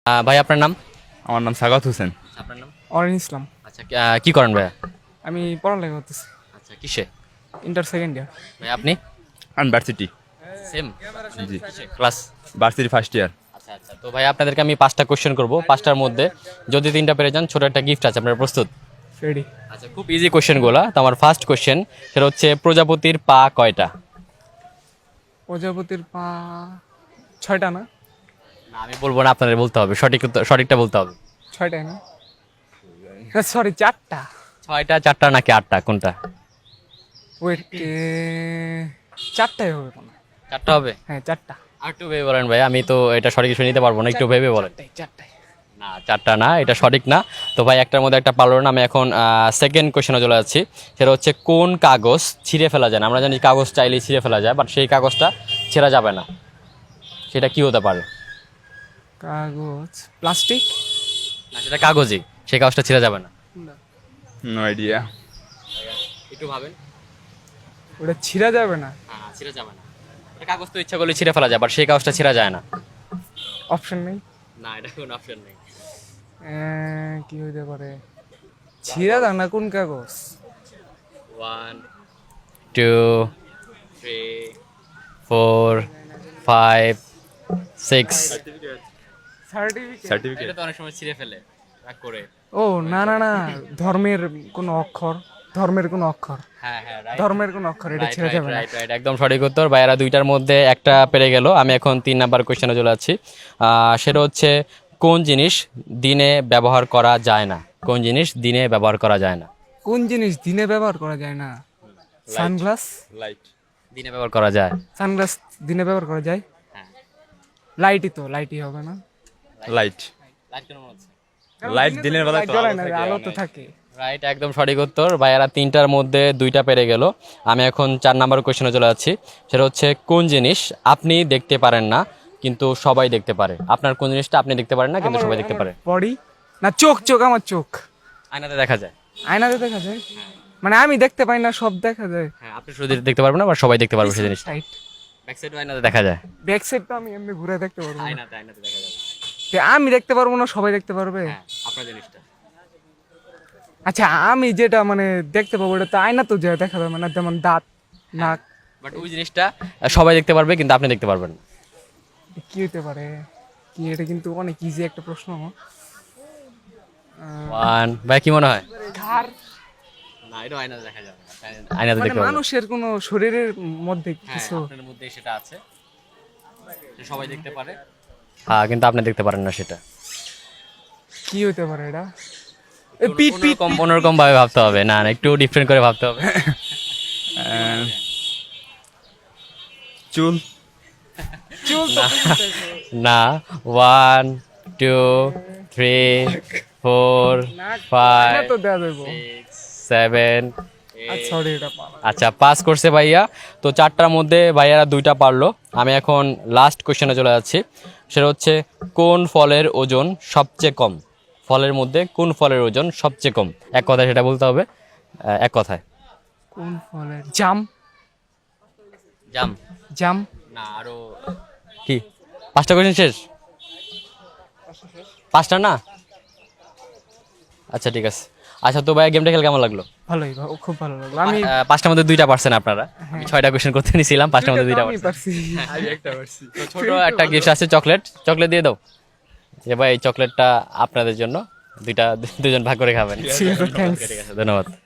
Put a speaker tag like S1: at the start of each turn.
S1: ভাই আপনার নাম?
S2: আমার নাম সাগাত হোসেন।
S1: আপনার নাম?
S3: অরিন ইসলাম।
S1: আচ্ছা, কি করেন ভাইয়া?
S3: আমি পড়ালেখা করতেছি,
S1: আচ্ছা, কিসে?
S3: Inter second year.
S1: ভাই আপনি?
S2: আমি ভার্সিটি।
S1: সেম
S2: জি,
S1: ক্লাস।
S2: Varsity first year.
S1: আচ্ছা আচ্ছা, তো ভাই আপনাদেরকে আমি 5টা কোশ্চেন করব। 5টার মধ্যে যদি 3টা পেরে যান ছোট একটা গিফট আছে। আপনারা প্রস্তুত?
S3: রেডি।
S1: আচ্ছা, খুব ইজি কোশ্চেনগুলো। তো আমার ফার্স্ট কোশ্চেন সেটা হচ্ছে প্রজাপতির পা কয়টা?
S3: প্রজাপতির পা 6টা না?
S1: না, আমি বলবো না, আপনাদের বলতে হবে। সঠিকটা বলতে হবে।
S3: 6টাই না? সরি 4টা।
S1: 6টা, 4টা নাকি 8টা, কোনটা?
S3: ওয়েট, 4টাই হবে কোনো?
S1: 4টা হবে?
S3: হ্যাঁ 4টা।
S1: আর একটু ভেবে বলেন ভাই, আমি তো এটা সঠিক কিছু নিতে পারবো না, একটু ভেবে বলেন।
S3: 4টাই।
S1: না, 4টা না, এটা সঠিক না। তো ভাই একটার মধ্যে একটা পারলো না। আমি এখন সেকেন্ড কোশ্চেনে চলে যাচ্ছি। সেটা হচ্ছে কোন কাগজ ছিঁড়ে ফেলা যায় না? আমরা জানি কাগজ চাইলেই ছিঁড়ে ফেলা যায়, বাট সেই কাগজটা ছেঁড়া যাবে না। সেটা কি হতে পারে?
S3: কাগজ, প্লাস্টিক।
S1: না, সেটা কাগজই, সেই কাগজটা ছেঁড়া যাবে না।
S2: No idea.
S1: একটু ভাবেন।
S3: ওটা ছিঁড়া যাবে না?
S1: হ্যাঁ, ছিঁড়া যাবে না। এটা কাগজ তো ইচ্ছা করলে ছিঁড়ে ফেলা যায়, বাট সেই কাগজটা ছেঁড়া যায় না।
S3: অপশন নেই?
S1: না, এটা কোনো অপশন নেই।
S3: কি হইতে পারে? ছিঁড়া যায় না কোন কাগজ?
S1: 1 2 3 4 5 6।
S3: সার্টিফিকেট।
S1: এটা তো অনেক সময় ছিঁড়ে ফেলে রাগ করে।
S3: ও না না না, ধর্মের কোন অক্ষর, ধর্মের কোন অক্ষর,
S1: হ্যাঁ হ্যাঁ, রাইট।
S3: ধর্মের কোন অক্ষর, এটা ছিঁড়া যাবে না।
S1: রাইট, একদম সঠিক উত্তর। ভাইয়ারা 2টার মধ্যে একটা পেরে গেল। আমি এখন 3 নাম্বার কোশ্চেনে চলে যাচ্ছি। সেটা হচ্ছে কোন জিনিস দিনে ব্যবহার করা যায় না? কোন জিনিস দিনে ব্যবহার করা যায় না?
S3: কোন জিনিস দিনে ব্যবহার করা যায় না? সানগ্লাস।
S2: লাইট।
S1: দিনে ব্যবহার করা যায়।
S3: সানগ্লাস দিনে ব্যবহার করা যায়।
S1: হ্যাঁ।
S3: লাইটই তো, লাইটই হবে না?
S2: লাইট।
S1: লাইট কেন মনে হচ্ছে?
S2: লাইট দিনের বেলা
S3: লাইট
S2: তো
S3: জ্বলে
S2: আলো
S3: না,
S2: থাকে
S3: আলো তো
S2: অনেক।
S3: থাকে।
S1: রাইট, একদম সঠিক উত্তর। ভাইয়ারা 3টার মধ্যে 2টা পেরে গেল। আমি এখন 4 নাম্বার কোশ্চেনে চলে যাচ্ছি। সেটা হচ্ছে কোন জিনিস আপনি দেখতে পারেন না কিন্তু সবাই দেখতে পারে? আপনার কোন জিনিসটা আপনি দেখতে পারেন না কিন্তু সবাই দেখতে পারে?
S3: বডি না, চোখ, চোখ, আমার চোখ।
S1: আয়নাতে দেখা যায়।
S3: আয়নাতে দেখা যায়? মানে আমি দেখতে পাই না, সব দেখা যায়।
S1: হ্যাঁ, আপনি শুধু দেখতে পারবেন না, বা সবাই দেখতে পারবে সেই জিনিসটা।
S3: সাইড,
S1: ব্যাক সাইডও আয়নাতে দেখা যায়।
S3: ব্যাক সাইড তো আমি এমনি ঘুরে দেখতে পারবো না।
S1: আয়নাতে দেখা যাবে।
S3: তে আমি দেখতে পারবো না, সবাই দেখতে পারবে?
S1: হ্যাঁ, আপনার জিনিসটা।
S3: আচ্ছা, আমি যেটা মানে দেখতে পাবো ওটা তো আয়না তো যা দেখা যাবে না, যেমন দাঁত, নাক।
S1: বাট ওই জিনিসটা সবাই দেখতে পারবে কিন্তু আপনি দেখতে পারবেন না।
S3: কি হতে পারে? কি, এটা কিন্তু অনেক ইজি একটা প্রশ্ন।
S1: 1, ভাই কি মনে হয়?
S3: ঘাড়।
S1: না, এটা আয়নাতে দেখা যাবে না। আয়নাতে
S3: মানে
S1: দেখতে পারবেন।
S3: মানুষের কোন শরীরের মধ্যে
S1: হ্যাঁ,
S3: কিছু?
S1: আপনার মধ্যে সেটা আছে, যে সবাই দেখতে পারে। হ্যাঁ, কিন্তু আপনি দেখতে পারেন না সেটা।
S3: কি হতে পারে এটা? পিঠ, পিঠ,
S1: অন্যরকম ভাবে ভাবতে হবে। না না, একটু ডিফারেন্ট করে ভাবতে হবে।
S2: চুল।
S3: চুল তো।
S1: না। 1 2 3 4
S3: আয়না
S1: 5
S3: তো দেয়া যাবে।
S1: 6 7
S3: আচ্ছা, সরি, এটা পালা।
S1: আচ্ছা, পাস করছে ভাইয়া। তো 4টার মধ্যে ভাইয়ারা 2টা পারলো। আমি এখন লাস্ট কোশ্চেনে চলে যাচ্ছি। সেটা হচ্ছে কোন ফলের ওজন সবচেয়ে কম? ফলের মধ্যে কোন ফলের ওজন সবচেয়ে কম? এক কথায় সেটা বলতে হবে, এক কথায়।
S3: কোন ফলের? জাম।
S1: জাম?
S3: জাম।
S1: না, আরো কি? 5টা কোশ্চেন শেষ? 5টা না? আচ্ছা, ঠিক আছে। আচ্ছা, তো ভাইয়া গেমটা খেলে কেমন লাগলো?
S3: ভালোই, খুব ভালো লাগলো। আমি
S1: 5টার মধ্যে 2টা পারছেন আপনারা। আমি 6টা কোশ্চেন করতে নিয়েছিলাম, 5টার মধ্যে 2টা
S3: আমি
S1: পারছেন।
S3: পারছি।
S2: আমি একটা পারছি।
S1: তো ছোট একটা গিফট আছে, চকলেট। চকলেট দিয়ে দাও। যে ভাই, এই চকলেটটা আপনাদের জন্য। দুজন ভাগ করে খাবেন।
S3: ঠিক আছে, থ্যাঙ্কস।
S1: ঠিক আছে, ধন্যবাদ।